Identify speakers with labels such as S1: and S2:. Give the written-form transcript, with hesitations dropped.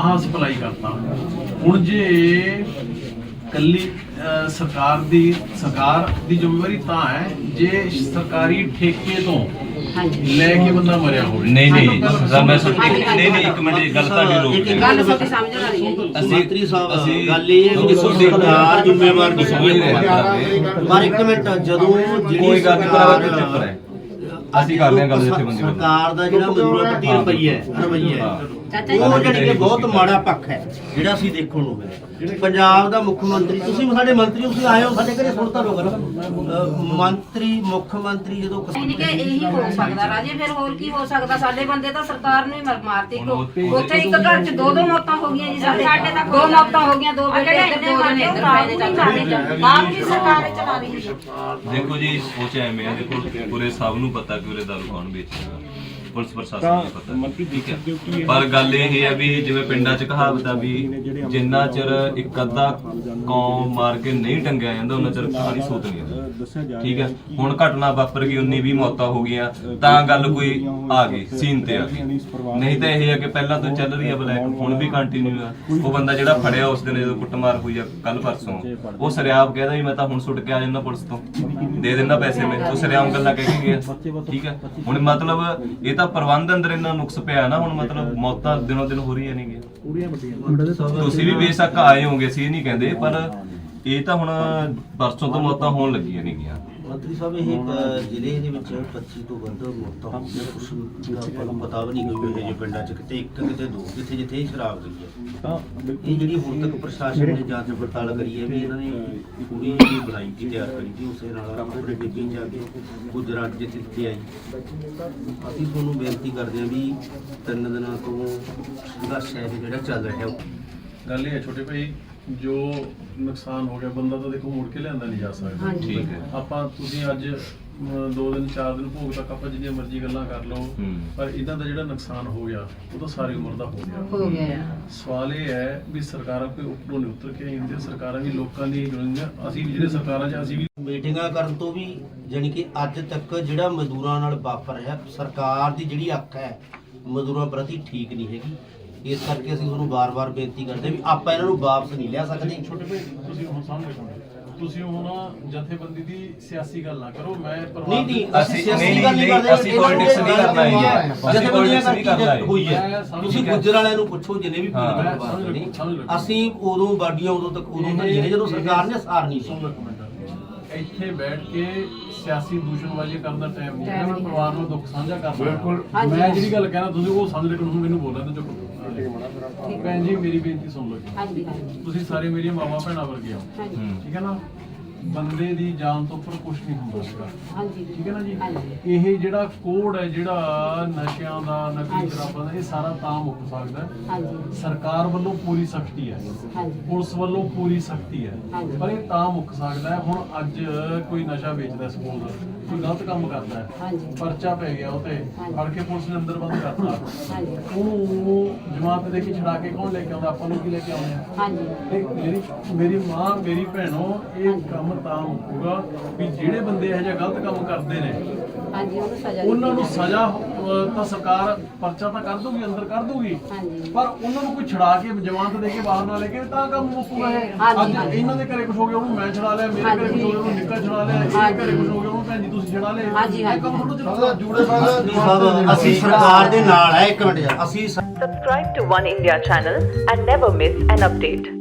S1: ਆਹ ਸਪਲਾਈ ਕਰਤਾ। ਹੁਣ ਜੇ ਕੱਲੀ ਸਰਕਾਰ ਦੀ ਜ਼ਿੰਮੇਵਾਰੀ ਤਾਂ ਹੈ ਜੇ ਸਰਕਾਰੀ ਠੇਕੇ ਤੋਂ ਲੈ ਕੇ ਬੰਦਾ ਮਰਿਆ ਹੋਵੇ।
S2: ਨਹੀਂ ਸਰ ਮੈਂ ਨਹੀਂ ਇੱਕ ਮਿੰਟ ਗੱਲ ਤੁਹਾਡੀ ਰੋਕ ਦੇ।
S3: ਗੱਲ ਤੁਹਾਡੀ ਸਮਝ ਆ ਰਹੀ ਹੈ ਜੀ।
S4: ਮੰਤਰੀ ਸਾਹਿਬ ਗੱਲ ਇਹ ਹੈ ਕਿ ਸਰਕਾਰ ਜ਼ਿੰਮੇਵਾਰ ਨਹੀਂ ਸਮਝਦੀ। ਪਰ ਇੱਕ ਮਿੰਟ ਜਦੋਂ
S2: ਕੋਈ ਗੱਲ ਨਹੀਂ ਚੱਕਰ ਹੈ ਅਸੀਂ ਕਰਦੇ ਹਾਂ ਗੱਲ ਜਿੱਥੇ ਬੰਦੀ
S4: ਸਰਕਾਰ ਦਾ ਜਿਹੜਾ ਮਜ਼ਦੂਰਾਂ ਪ੍ਰਤੀ ਰਵੱਈਆ ਹੈ ਉਹ ਜਿਹੜੀ ਕਿ ਬਹੁਤ ਮਾੜਾ ਪੱਖ ਹੈ ਜਿਹੜਾ ਅਸੀਂ ਦੇਖਣ ਨੂੰ ਮਿਲਿਆ। ਪੰਜਾਬ ਦਾ ਮੁੱਖ ਮੰਤਰੀ ਤੁਸੀਂ ਸਾਡੇ ਮੰਤਰੀ ਤੁਸੀਂ ਆਏ ਹੋ ਸਾਡੇ ਘਰੇ ਸੁਣਤਾ ਲੋਕ ਮੁੱਖ ਮੰਤਰੀ ਜਦੋਂ
S3: ਇਹੀ ਹੋ ਸਕਦਾ ਰਾਜੇ, ਫਿਰ ਹੋਰ ਕੀ ਹੋ ਸਕਦਾ? ਸਾਡੇ ਬੰਦੇ ਤਾਂ ਸਰਕਾਰ ਨੂੰ ਹੀ ਮਾਰਤੀ। ਉੱਥੇ ਇੱਕ ਘਰ 'ਚ ਦੋ ਮੌਤਾਂ ਹੋ ਗਈਆਂ ਜੀ। ਸਾਡੇ ਤਾਂ ਦੋ ਮੌਤਾਂ ਹੋ ਗਈਆਂ, ਦੋ ਬੇਟੇ ਇੱਧਰ ਦੋ ਬੇਟੇ ਇੱਧਰ ਪਏ ਨੇ। ਆਪ ਵੀ ਸਰਕਾਰ ਚਲਾ ਰਹੀ ਹੈ।
S2: ਦੇਖੋ ਜੀ ਸੋਚ ਐਵੇਂ ਆ, ਦੇਖੋ ਪੂਰੇ ਸਭ ਨੂੰ ਪਤਾ ਕਿ ਉਰੇ ਦਾਰੂ ਕੌਣ ਵੇਚਦਾ, ਪੁਲਿਸ ਪ੍ਰਸ਼ਾਸਨ ਨੂੰ ਪਤਾ, ਠੀਕ ਹੈ। ਪਰ ਗੱਲ ਇਹ ਹੈ ਵੀ ਜਿਵੇਂ ਪਿੰਡਾਂ 'ਚ ਕਹਾਵਤ ਆ ਵੀ ਜਿੰਨਾ ਚਿਰ ਇੱਕ ਅੱਧਾ ਕੌਮ ਮਾਰ ਕੇ ਨਹੀਂ ਟੰਗਿਆ ਜਾਂਦਾ ਉਹਨਾਂ ਚਿਰ ਖਾਲੀ ਸੋਤ ਨਹੀਂ ਆਉਂਦੀ, ਠੀਕ ਹੈ। ਹੁਣ ਘਟਨਾ ਵਾਪਰ ਗਈ, 19-20 ਮੌਤਾਂ ਹੋ ਗਈਆਂ ਤਾਂ ਗੱਲ ਕੋਈ ਆ ਗਈ ਸੀਨ ਤੇ ਆ ਗਈ। ਨਹੀਂ ਤਾਂ ਇਹ ਹੈ ਕਿ ਪਹਿਲਾਂ ਤੋਂ ਚੱਲ ਰਹੀ ਹੈ ਬਲੈਕ, ਹੁਣ ਵੀ ਕੰਟੀਨਿਊ ਆ। ਉਹ ਬੰਦਾ ਜਿਹੜਾ ਫੜਿਆ ਉਸ ਦਿਨ ਜਦੋਂ ਕੁੱਟਮਾਰ ਹੋਈ ਆ ਕੱਲ ਪਰਸੋਂ, ਉਹ ਸਰਿਆਮ ਕਹਿੰਦਾ ਵੀ ਮੈਂ ਤਾਂ ਹੁਣ ਸੁੱਟ ਕੇ ਆ ਜਾਂਦਾ ਪੁਲਿਸ ਤੋਂ, ਦੇ ਦਿੰਦਾ ਪੈਸੇ ਮੈਂ, ਉਹ ਸਰਿਆਮ ਗੱਲਾਂ ਕਹਿ ਕੇ ਗਿਆ, ਠੀਕ ਹੈ। ਹੁਣ ਮਤਲਬ ਇਹ ਤਾਂ ਪ੍ਰਬੰਧ ਅੰਦਰ ਇੰਨਾ ਨੁਕਸ ਪਿਆ ਨਾ, ਹੁਣ ਮਤਲਬ ਮੌਤਾਂ ਦਿਨੋਂ ਦਿਨ ਹੋ ਰਹੀਆਂ ਨੇਗੀਆਂ। ਤੁਸੀਂ ਵੀ ਬੇਸ਼ੱਕ ਆਏ ਹੋਗੇ, ਅਸੀਂ ਨਹੀਂ ਕਹਿੰਦੇ, ਪਰ ਇਹ ਤਾਂ ਹੁਣ ਪਰਸੋਂ ਤੋਂ ਮੌਤਾਂ ਹੋਣ ਲੱਗੀਆਂ ਨੇਗੀਆਂ।
S4: ਮੰਤਰੀ ਸਾਹਿਬ ਇਹ ਜ਼ਿਲ੍ਹੇ ਦੇ ਵਿੱਚ 25 ਤੋਂ ਵੱਧ ਮੌਤਾਂ ਹੋਈਆਂ, ਕੁਛ ਦਾ ਆਪਾਂ ਨੂੰ ਪਤਾ ਵੀ ਨਹੀਂ ਕੋਈ ਇਹ ਪਿੰਡਾਂ 'ਚ ਕਿਤੇ ਇੱਕ ਕਿਤੇ ਦੋ, ਜਿੱਥੇ ਸ਼ਰਾਬ ਗਈ ਹੈ। ਇਹ ਜਿਹੜੀ ਹੁਣ ਤੱਕ ਪ੍ਰਸ਼ਾਸਨ ਨੇ ਜਾਂਚ ਪੜਤਾਲ ਕਰੀ ਹੈ ਵੀ ਇਹਨਾਂ ਨੇ ਪੂਰੀ ਜਿਹੜੀ ਬਣਾਈ ਸੀ ਤਿਆਰ ਕਰੀ ਸੀ, ਉਸੇ ਨਾਲ ਆਪਣੇ ਡਿੱਬੀ 'ਚ ਆ ਕੇ ਗੁਜਰਾਤ ਜਿੱਥੇ ਆਈ। ਅਸੀਂ ਤੁਹਾਨੂੰ ਬੇਨਤੀ ਕਰਦੇ ਹਾਂ ਵੀ 3 ਦਿਨਾਂ ਤੋਂ ਸੰਘਰਸ਼ ਹੈ ਜਿਹੜਾ ਚੱਲ ਰਿਹਾ।
S1: ਗੱਲ ਇਹ ਹੈ ਛੋਟੇ ਭਾਈ, ਜੋ ਨੁਕਸਾਨ ਹੋ ਗਿਆ ਬੰਦਾ ਤਾਂ ਦੇਖੋ ਮੁੜ ਕੇ ਲਿਆਂਦਾ ਨਹੀਂ ਜਾ ਸਕਦਾ,
S2: ਠੀਕ ਹੈ।
S1: ਆਪਾਂ ਤੁਸੀਂ ਅੱਜ 2 ਦਿਨ 4 ਦਿਨ ਭੋਗ ਤੱਕ ਆਪਾਂ ਜਿੰਨੀਆਂ ਮਰਜ਼ੀ ਗੱਲਾਂ ਕਰ ਲਓ, ਪਰ ਇਹਨਾਂ ਦਾ ਜਿਹੜਾ ਨੁਕਸਾਨ ਹੋ ਗਿਆ ਉਹ ਤਾਂ ਸਾਰੀ ਉਮਰ ਦਾ ਹੋ ਗਿਆ। ਸਵਾਲ ਇਹ ਹੈ ਵੀ ਸਰਕਾਰਾਂ ਕੋਈ ਉੱਪਰੋਂ ਨਹੀਂ ਉਤਰ ਕੇ ਆਉਂਦੀਆਂ, ਸਰਕਾਰਾਂ ਵੀ ਲੋਕਾਂ ਦੀ ਜੁੜੀਆਂ। ਅਸੀਂ ਵੀ ਜਿਹੜੇ ਸਰਕਾਰਾਂ 'ਚ ਅਸੀਂ ਵੀ
S4: ਮੀਟਿੰਗਾਂ ਕਰਨ ਤੋਂ ਵੀ ਜਾਣੀ ਕਿ ਅੱਜ ਤੱਕ ਜਿਹੜਾ ਮਜ਼ਦੂਰਾਂ ਨਾਲ ਵਾਪਰ ਰਿਹਾ, ਸਰਕਾਰ ਦੀ ਜਿਹੜੀ ਅੱਖ ਹੈ ਮਜ਼ਦੂਰਾਂ ਪ੍ਰਤੀ ਠੀਕ ਨਹੀਂ ਹੈਗੀ। ਇਸ ਕਰਕੇ ਅਸੀਂ ਤੁਹਾਨੂੰ ਵਾਰ-ਵਾਰ ਬੇਨਤੀ ਕਰਦੇ ਵੀ ਆਪਾਂ ਇਹਨਾਂ ਨੂੰ ਵਾਪਸ ਨਹੀਂ ਲਿਆ ਸਕਦੇ।
S1: ਛੋਟੇ ਭਾਈ ਤੁਸੀਂ ਹੁਣ ਸਾਹਮਣੇ ਤੁਸੀਂ ਹੁਣ ਜਥੇਬੰਦੀ ਦੀ ਸਿਆਸੀ ਗੱਲ ਨਾ ਕਰੋ। ਮੈਂ
S4: ਨਹੀਂ ਅਸੀਂ ਸਿਆਸੀ ਗੱਲ ਨਹੀਂ ਕਰਦੇ,
S2: ਅਸੀਂ ਪੋਲਿਟਿਕਸ ਨਹੀਂ ਕਰਨਾ ਹੈ, ਅਸੀਂ ਪੋਲਿਟਿਕਸ ਨਹੀਂ ਕਰਨਾ ਹੈ।
S4: ਹੋਈ ਹੈ ਤੁਸੀਂ ਗੁੱਜਰ ਵਾਲਿਆਂ ਨੂੰ ਪੁੱਛੋ ਜਿੰਨੇ ਵੀ ਪੀੜਤ ਅਸੀਂ ਉਦੋਂ ਬਾਡੀਆਂ ਉਦੋਂ ਤੱਕ ਜਿਹੜੇ ਜਦੋਂ ਸਰਕਾਰ ਨੇ ਸਾਰ ਨਹੀਂ ਸੀ।
S1: ਇੱਥੇ ਬੈਠ ਕੇ ਸਿਆਸੀ ਦੂਸ਼ਣਬਾਜ਼ੀ ਕਰਨ ਦਾ ਟਾਈਮ ਨਹੀਂ ਹੈ। ਮੈਂ ਪਰਿਵਾਰ ਨੂੰ ਦੁੱਖ ਸਾਂਝਾ ਕਰਦਾ। ਮੈਂ ਜਿਹੜੀ ਗੱਲ ਕਹਿਣਾ ਤੁਸੀਂ ਉਹ ਸਮਝ ਲਿਓ, ਮੈਨੂੰ ਬੋਲਣਾ ਤੇ ਚੁੱਪ। ਭੈਣ ਜੀ ਮੇਰੀ ਬੇਨਤੀ ਸੁਣ ਲਓ, ਤੁਸੀਂ ਸਾਰੇ ਮੇਰੀਆਂ ਮਾਵਾਂ ਭੈਣਾਂ ਵਰਗੇ ਹੋ, ਠੀਕ ਹੈ ਨਾ। ਬੰਦੇ ਦੀ ਜਾਨ ਤੋਂ ਉੱਪਰ ਕੁਝ ਨਹੀਂ ਹੁੰਦਾ ਸੀਗਾ, ਠੀਕ ਹੈ ਨਾ ਜੀ। ਇਹ ਜਿਹੜਾ ਕੋਡ ਹੈ ਜਿਹੜਾ ਨਸ਼ਿਆਂ ਦਾ, ਨਕਲੀ ਸ਼ਰਾਬਾਂ ਦਾ, ਇਹ ਸਾਰਾ ਤਾਂ ਮੁੱਕ ਸਕਦਾ। ਸਰਕਾਰ ਵੱਲੋਂ ਪੂਰੀ ਸਖਤੀ ਹੈ, ਪੁਲਿਸ ਵੱਲੋਂ ਪੂਰੀ ਸਖਤੀ ਹੈ, ਪਰ ਇਹ ਤਾਂ ਮੁੱਕ ਸਕਦਾ। ਹੁਣ ਅੱਜ ਕੋਈ ਨਸ਼ਾ ਵੇਚਦਾ, ਸਪੋਜ਼ ਕੋਈ ਗਲਤ ਕੰਮ ਕਰਦਾ ਹੈ, ਪਰਚਾ ਪੈ ਗਿਆ, ਉਹ ਤੇ ਫੜ ਕੇ ਪੁਲਿਸ ਨੇ ਅੰਦਰ ਬੰਦ ਕਰਤਾ, ਉਹਨੂੰ ਜਮਾਤ ਦੇ ਕੇ ਛਡਾ ਕੇ ਕੌਣ ਲੈ ਕੇ ਆਉਂਦਾ? ਆਪਾਂ ਨੂੰ ਕੀ ਲੈ ਕੇ ਆਉਂਦੇ ਆ? ਮੇਰੀ ਮਾਂ, ਮੇਰੀ ਭੈਣੋ, ਇਹ ਕੰਮ ਤਾਂ ਮੁੱਕੂਗਾ ਵੀ ਜਿਹੜੇ ਬੰਦੇ ਇਹੋ ਜਿਹਾ ਗਲਤ ਕੰਮ ਕਰਦੇ ਨੇ ਉਹਨਾਂ ਨੂੰ ਸਜ਼ਾ ਤਾਂ ਸਰਕਾਰ ਪਰਚਾ ਤਾਂ ਕਰ ਦੂਗੀ, ਅੰਦਰ ਕਰ ਦੂਗੀ, ਪਰ ਉਹਨਾਂ ਨੂੰ ਕੋਈ ਛੜਾ ਕੇ ਜ਼ਮਾਨਤ ਦੇ ਕੇ ਬਾਹਰ ਨਾ ਲੈ ਕੇ ਤਾਂ ਕੰਮ ਮੁੱਕੂਗਾ। ਅੱਜ ਇਹਨਾਂ ਦੇ ਘਰੇ ਕੁਝ ਹੋ ਗਿਆ ਉਹਨੂੰ ਮੈਂ ਛੜਾ ਲਿਆ, ਮੇਰੇ ਘਰੇ ਕੁਝ ਹੋ ਗਿਆ ਉਹਨੂੰ ਨਿੱਕਾ ਛੜਾ ਲਿਆ, ਇਹਦੇ ਘਰੇ ਕੁਝ ਹੋ ਗਿਆ ਉਹਨੂੰ ਭੈਣ ਜੀ ਤੁਸੀਂ ਛੜਾ ਲਿਆ। ਇਹ ਕੰਮ ਥੋੜਾ ਚਲੋ ਜੁੜੇ ਬਾਅਦ
S4: ਅਸੀਂ ਸਰਕਾਰ ਦੇ ਨਾਲ ਹੈ। ਇੱਕ ਮਿੰਟ ਯਾਰ, ਅਸੀਂ
S5: Subscribe to One India channel and never miss an update.